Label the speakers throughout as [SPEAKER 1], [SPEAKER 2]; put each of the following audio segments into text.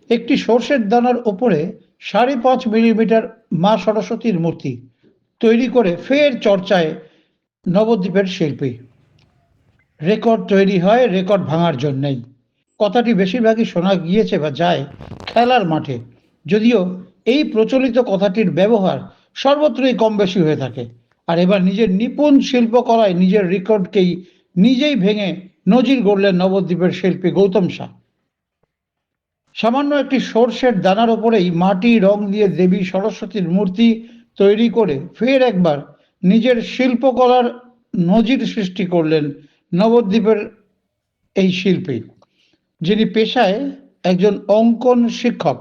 [SPEAKER 1] একটি সর্ষের দানার ওপরে ৫.৫ মিলিমিটার মা সরস্বতীর মূর্তি তৈরি করে ফের চর্চায় নবদ্বীপের শিল্পী। রেকর্ড তৈরি হয় রেকর্ড ভাঙার জন্যই। কথাটি বেশিরভাগই শোনা গিয়েছে বা যায় খেলার মাঠে, যদিও এই প্রচলিত কথাটির ব্যবহার সর্বত্রই কম বেশি হয়ে থাকে। আর এবার নিজের নিপুণ শিল্পকলায় নিজের রেকর্ডকেই নিজেই ভেঙে নজির গড়লেন নবদ্বীপের শিল্পী গৌতম শাহ। সামান্য একটি সর্ষের দানার ওপরেই মাটি রং দিয়ে দেবী সরস্বতীর মূর্তি তৈরি করে ফের একবার নিজের শিল্পকলার নজির সৃষ্টি করলেন নবদ্বীপের এই শিল্পী, যিনি পেশায় একজন অঙ্কন শিক্ষক।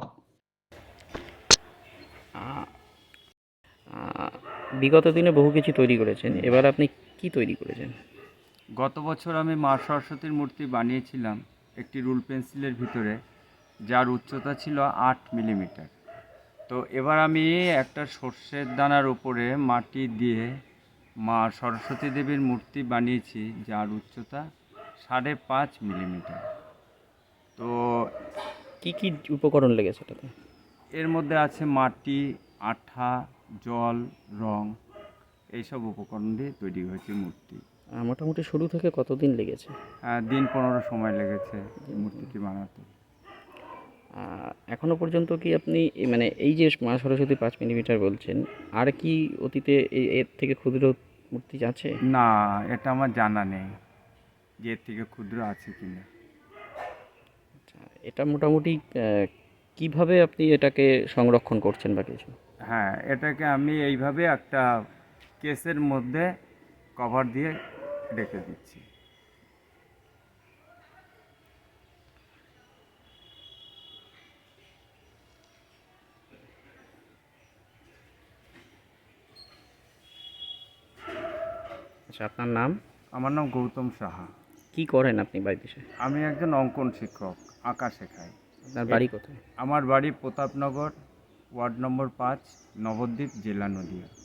[SPEAKER 2] আ- আ- বিগত দিনে বহু কিছু তৈরি করেছেন, এবার আপনি কি তৈরি করেছেন?
[SPEAKER 3] গত বছর আমি মা সরস্বতীর মূর্তি বানিয়েছিলাম একটি রুল পেন্সিলের ভিতরে, যার উচ্চতা ছিল ৮ মিলিমিটার। তো এবার আমি একটা সর্ষের দানার উপরে মাটি দিয়ে মা সরস্বতী দেবীর মূর্তি বানিয়েছি, যার উচ্চতা ৫.৫ মিলিমিটার। তো
[SPEAKER 2] কি কি উপকরণ লেগেছে এটাতে?
[SPEAKER 3] এর মধ্যে আছে মাটি, আঠা, জল, রং, এইসব উপকরণ দিয়ে তৈরি হয়েছে মূর্তি।
[SPEAKER 2] মোটামুটি শুরু থেকে কতদিন লেগেছে?
[SPEAKER 3] দিন ১৫ সময় লেগেছে এই মূর্তিটি বানাতে।
[SPEAKER 2] এখনো পর্যন্ত কি আপনি মানে এই যে মা সরস্বতী ৫ মিলিমিটার বলছেন, আর কি অতীতে এর থেকে ক্ষুদ্র মূর্তি আছে?
[SPEAKER 3] না, এটা আমার জানা নেই যে এর থেকে ক্ষুদ্র আছে কিনা।
[SPEAKER 2] আচ্ছা, এটা মোটামুটি কিভাবে আপনি এটাকে সংরক্ষণ করছেন বা কিছু?
[SPEAKER 3] হ্যাঁ, এটাকে আমি এইভাবে একটা কেসের মধ্যে কভার দিয়ে রেখে দিচ্ছি।
[SPEAKER 2] আচ্ছা, আপনার নাম?
[SPEAKER 3] আমার নাম গৌতম সাহা।
[SPEAKER 2] কি করেন আপনি বাড়িতে এসে?
[SPEAKER 3] আমি একজন অঙ্কন শিক্ষক, আঁকা শেখাই।
[SPEAKER 2] আপনার বাড়ি কোথায়?
[SPEAKER 3] আমার বাড়ি প্রতাপনগর, ওয়ার্ড নম্বর ৫, নবদ্বীপ, জেলা নদীয়া।